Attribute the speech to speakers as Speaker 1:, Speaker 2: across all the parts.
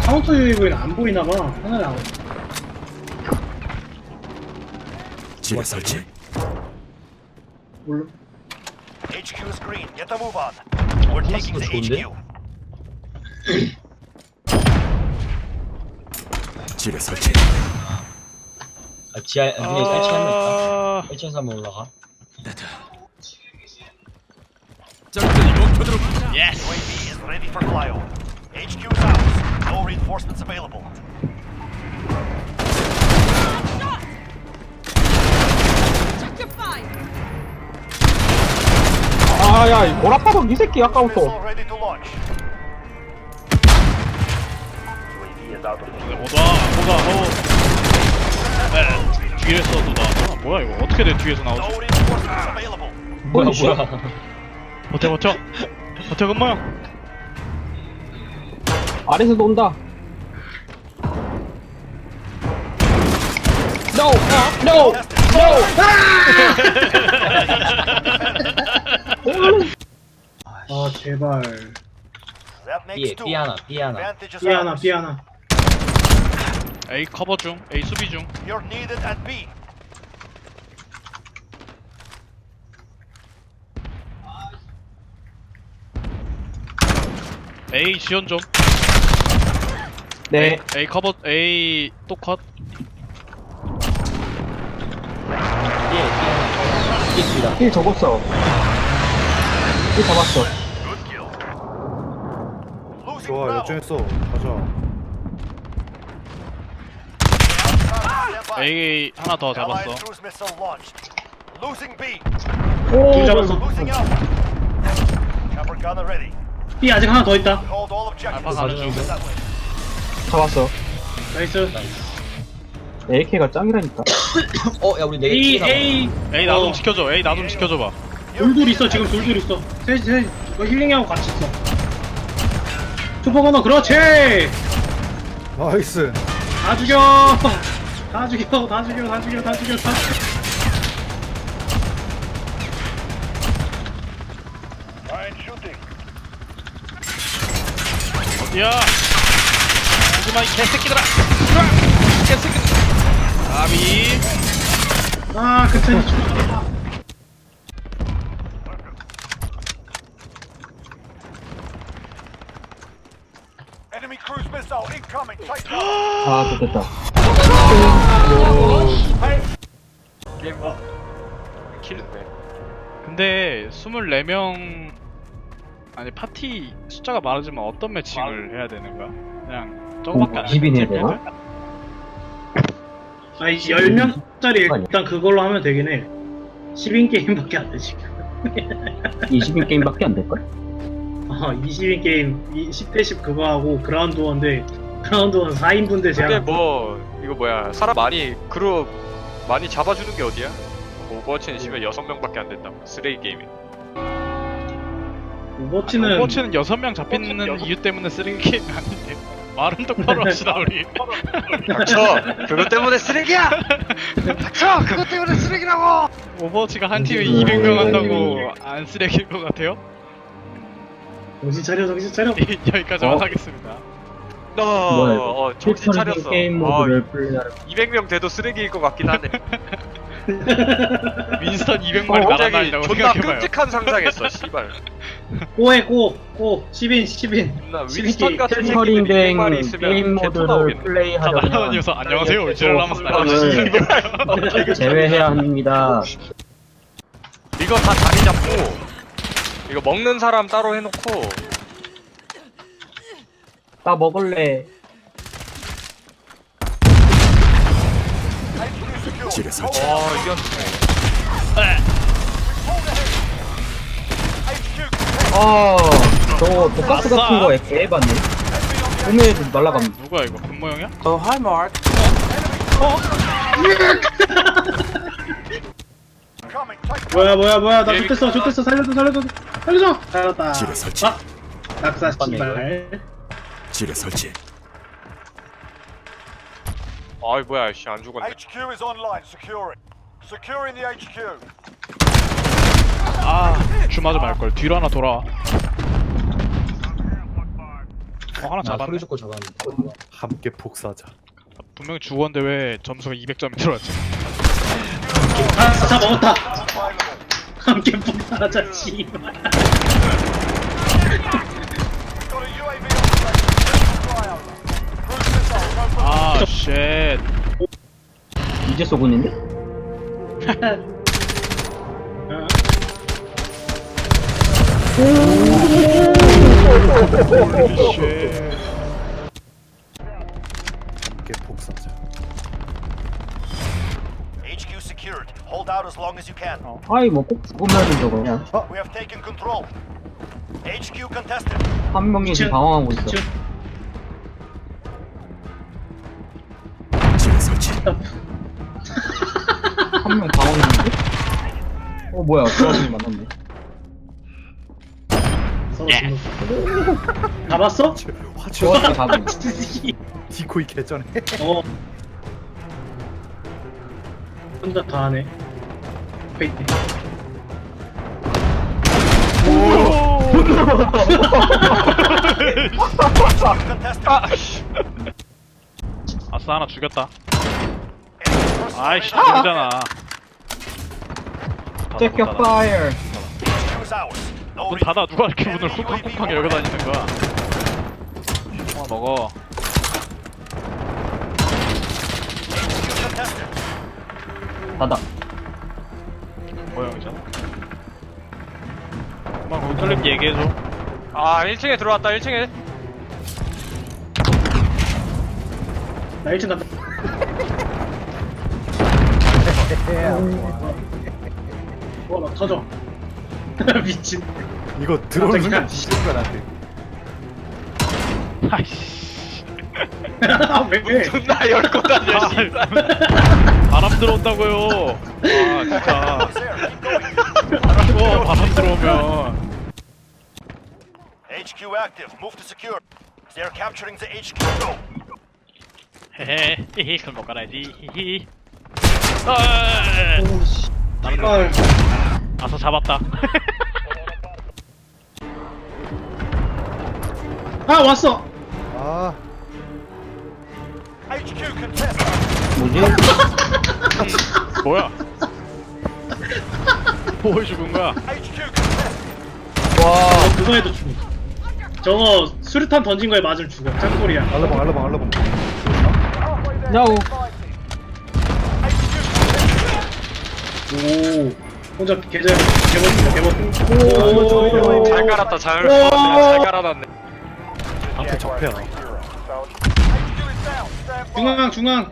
Speaker 1: 카운터 UAV는 안 보이나봐. 하나를 안.
Speaker 2: 지뢰 설치.
Speaker 1: 몰라.
Speaker 3: HQ is green. Get the move on. We're taking the
Speaker 4: 좋은데?
Speaker 3: HQ.
Speaker 2: 지뢰 설치.
Speaker 4: 아, 지하, 위에 1층 한명 있다.
Speaker 5: 아,
Speaker 4: 1층에서 한번 올라가.
Speaker 2: 적들이 목표대로
Speaker 5: 예스.
Speaker 3: UAV is ready for flyover. HQ is ours. No reinforcements available.
Speaker 6: 아야 이 보라파덕 이 새끼 아까부터.
Speaker 3: Missile ready to launch. UAV is out of
Speaker 5: 네, 뒤에서도 나왔어. 뭐야 이거? 어떻게 내 뒤에서 나오지?
Speaker 3: No reinforcements available.
Speaker 4: 뭐야,
Speaker 6: 씨.
Speaker 4: 뭐야.
Speaker 5: 버텨 금모형.
Speaker 6: 아래에서도 온다. No, no, no.
Speaker 1: 아 제발.
Speaker 3: That makes two.
Speaker 4: B 하나, B 하나.
Speaker 3: Advantage is
Speaker 1: B 하나
Speaker 3: ours.
Speaker 1: B 하나.
Speaker 5: A 커버 중, A 수비 중.
Speaker 3: You're needed at B.
Speaker 5: A 지원 좀.
Speaker 6: 네.
Speaker 5: A 커버, A 또 컷.
Speaker 4: B 하나. B 둘이다.
Speaker 6: 힐 적었어. 힐 잡았어.
Speaker 3: Good kill. Losing
Speaker 7: 좋아
Speaker 3: Bravo.
Speaker 7: 역전했어 가자
Speaker 3: Stand by.
Speaker 5: A 하나 더 잡았어.
Speaker 3: Allied cruise missile launched. Losing B.
Speaker 1: 둘 잡았어.
Speaker 3: Losing Alpha. Chopper gunner ready.
Speaker 1: B 아직 하나 더 있다.
Speaker 3: Hold all objectives.
Speaker 5: 알파 가는 중.
Speaker 3: Keep it that way.
Speaker 6: 잡았어.
Speaker 1: 나이스.
Speaker 6: AK가 짱이라니까.
Speaker 4: 야, 우리 네
Speaker 1: A
Speaker 4: 개 남았어.
Speaker 1: A.
Speaker 5: A 나 좀 지켜줘. A 나 좀 지켜줘봐.
Speaker 1: 둘둘 있어 지금 둘둘 있어. 셋. 너 힐링하고 같이 있어. 슈퍼 건너 그렇지.
Speaker 7: 나이스
Speaker 1: 다 죽여. 다 죽여.
Speaker 3: Fine shooting.
Speaker 5: 어디야? 오지마 이 개새끼들아. 개새끼들. 아비.
Speaker 1: 아 그때 죽었다.
Speaker 3: Enemy cruise missile incoming. Take cover.
Speaker 6: 아, 좋겠다.
Speaker 5: 근데 24명 아니 파티 숫자가 많아지면 어떤 매칭을 해야 되는 거야? 그냥 저거밖에 안
Speaker 6: 20인 해야
Speaker 5: 돼.
Speaker 6: 되나?
Speaker 1: 아니 10명짜리 일단 그걸로 하면 되긴 해. 10인 게임밖에 안 돼 지금.
Speaker 6: 20인 게임밖에 안 될걸?
Speaker 1: 20인 게임 10대 10 그거 하고 그라운드 원데 그라운드 원 4인분들 제한.
Speaker 8: 근데 뭐 이거 뭐야 사람 많이 그룹 많이 잡아주는 게 어디야? 오버워치는 심해 6명밖에 안 된다고 쓰레기 게임이.
Speaker 1: 오버워치는
Speaker 5: 오버워치는 6명 잡히는 이유 때문에 쓰레기 게임 아닌데 말은 똑바로 합시다 우리.
Speaker 8: 닥쳐! 그것 때문에 쓰레기야! 닥쳐! 그것 때문에 쓰레기라고!
Speaker 5: 오버워치가 한 팀에 200명 한다고 안 쓰레기일 것 같아요?
Speaker 1: 정신 차려.
Speaker 5: 여기까지만 하겠습니다.
Speaker 6: 뭐야, 이거?
Speaker 8: 정신 차렸어.
Speaker 6: 게임 모드를 플레이하는
Speaker 8: 200명 돼도 쓰레기일 것 같긴 하네.
Speaker 5: 윈스턴 200마리
Speaker 8: 갑자기
Speaker 5: 날아다닌다고
Speaker 8: 존나
Speaker 5: 생각해봐요.
Speaker 8: 끔찍한 상상했어, 씨발.
Speaker 1: 꼬해 꼬 10인.
Speaker 8: 나 윈스턴 같은 새끼들이
Speaker 6: 필터링된
Speaker 8: 200마리 있으면
Speaker 6: 게임
Speaker 8: 개토
Speaker 6: 모드를
Speaker 8: 나오겠네.
Speaker 5: 자
Speaker 6: 플레이하려면
Speaker 5: 날아다니면서 안녕하세요 울지를 하면서
Speaker 6: 네.
Speaker 5: 날아다니는
Speaker 6: 제외해야 합니다.
Speaker 8: 이거 다 자리 잡고 이거 먹는 사람 따로 해놓고
Speaker 6: 나 먹을래.
Speaker 2: 지뢰 설치.
Speaker 8: 이겼네.
Speaker 6: 저거 독가스 같은 거 개해봤네. 꿈에 날라감.
Speaker 5: 누구야 이거 금모형이야?
Speaker 1: 뭐야 나 좋댔어 살려줘. 살았다.
Speaker 2: 지뢰 설치.
Speaker 1: 낙사 씨발.
Speaker 2: 지뢰 설치.
Speaker 8: 아이 뭐야 씨 안 죽었네.
Speaker 3: HQ is online. Securing. Securing the HQ.
Speaker 5: 아 주마저 말걸 뒤로 하나 돌아와. 하나
Speaker 4: 나
Speaker 5: 잡았네.
Speaker 4: 소리 듣고 잡았는데.
Speaker 7: 함께 복사하자.
Speaker 5: 분명히 죽었는데 왜 점수가 200점이 들어왔지?
Speaker 1: 다 먹었다. 함께 폭발하자 씨발.
Speaker 3: Got a UAV on station. Flyover. Cruise missile. Go for
Speaker 5: 아, 쉣.
Speaker 6: 이제 쏘고 있는데?
Speaker 5: 쉣.
Speaker 7: 함께 복사하자.
Speaker 3: HQ secured. Hold out as long as you can.
Speaker 6: 아이 뭐 꼭 죽으면은 저거 그냥
Speaker 3: We have taken control. HQ contested.
Speaker 6: 한 명이 지금 방황하고 있어.
Speaker 2: 지뢰 설치.
Speaker 6: 한 명 방황했는데? 뭐야 조합이 만났네.
Speaker 1: 잡았어?
Speaker 7: 화초
Speaker 6: 조합이 가고.
Speaker 7: 디코이 개전해.
Speaker 1: 어. 혼자 다 하네. 페이트.
Speaker 3: Contested.
Speaker 5: 아싸, 하나 죽였다.
Speaker 3: Enemy personnel
Speaker 5: 아이씨,
Speaker 3: in.
Speaker 5: 죽이잖아.
Speaker 6: Take your fire.
Speaker 3: HQ is ours. No
Speaker 5: 문 닫아. 누가 이렇게 문을 쿵쾅쿵쾅 열고 다니는 거야? 먹어.
Speaker 3: HQ contested.
Speaker 6: 닫아.
Speaker 5: 모형이잖아. 엄마 거기 뚫린 얘기해줘.
Speaker 8: 아 1층에 들어왔다 1층에.
Speaker 1: 나 1층 간다. 나 터져. 미친.
Speaker 7: 이거 들어오는
Speaker 1: 깜짝이야.
Speaker 7: 건 지시는 거야 나한테.
Speaker 5: 아이씨.
Speaker 1: 왜?
Speaker 8: 존나 열고 다녀 씨발.
Speaker 5: 바람 들어온다고요. 아, 진짜.
Speaker 3: Is there. Keep going.
Speaker 5: 추워, 바람 들어오면.
Speaker 3: HQ active. Move to secure. They're capturing the HQ. Go.
Speaker 5: 헤헤, 히히, 그럼 못 가라야지. 히히. 아,
Speaker 1: 씨발.
Speaker 5: 아서 잡았다.
Speaker 1: 아 왔어.
Speaker 7: 아
Speaker 3: HQ contested.
Speaker 6: 뭐지?
Speaker 5: 뭐야? 뭘 죽은 거야?
Speaker 3: HQ contested.
Speaker 6: 와.
Speaker 1: 그거에도 죽어. 저거 수류탄 던진 거에 맞으면 죽어. 짱돌이야.
Speaker 7: 알라봉 알라봉 알라봉.
Speaker 6: 야오.
Speaker 1: 오. 혼자 계좌 개멋.
Speaker 8: 잘 깔았다 잘. 잘 깔아놨네.
Speaker 7: 함께 적폐야.
Speaker 1: 중앙.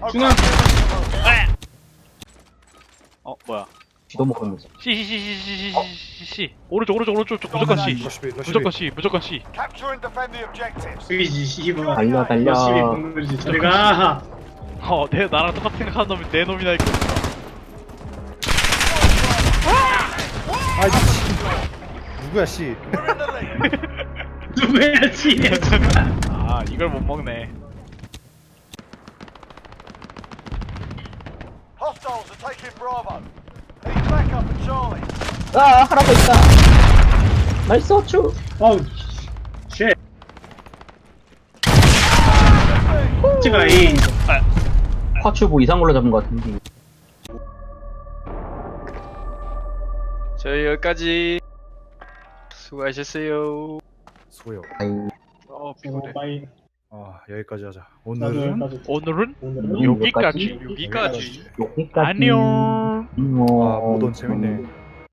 Speaker 5: 뭐야?
Speaker 6: 쥐도 먹으면서.
Speaker 5: C. 오른쪽, 무조건 C. 무조건 C, 무조건 C.
Speaker 3: Capture and defend the objectives.
Speaker 1: 의지 씨발.
Speaker 6: 달려.
Speaker 1: 열심히 공부지. 저리 가.
Speaker 5: 나랑 똑같은 생각하는 놈이 내 놈이나 있고.
Speaker 7: 아 미친. 누구야 씨.
Speaker 3: We're in the lead.
Speaker 1: 누구야 씨.
Speaker 5: 아, 이걸 못 먹네.
Speaker 3: Hostiles are taking Bravo. Need backup at Charlie.
Speaker 6: 아 하나 더 있다. 나이스 어쭈.
Speaker 1: 어우. 쉣. 제가 A.
Speaker 6: 화추 뭐 이상 걸로 잡은 것 같은데.
Speaker 8: 저희 여기까지. 수고하셨어요.
Speaker 7: 소요.
Speaker 6: 아이.
Speaker 5: 피곤해.
Speaker 1: 빠이.
Speaker 7: 아 여기까지 하자.
Speaker 1: 나도
Speaker 7: 오늘은
Speaker 1: 여기까지.
Speaker 5: 오늘은
Speaker 6: 여기까지?
Speaker 5: 여기까지.
Speaker 6: 여기까지.
Speaker 5: 안녕.
Speaker 7: 아 모던 재밌네.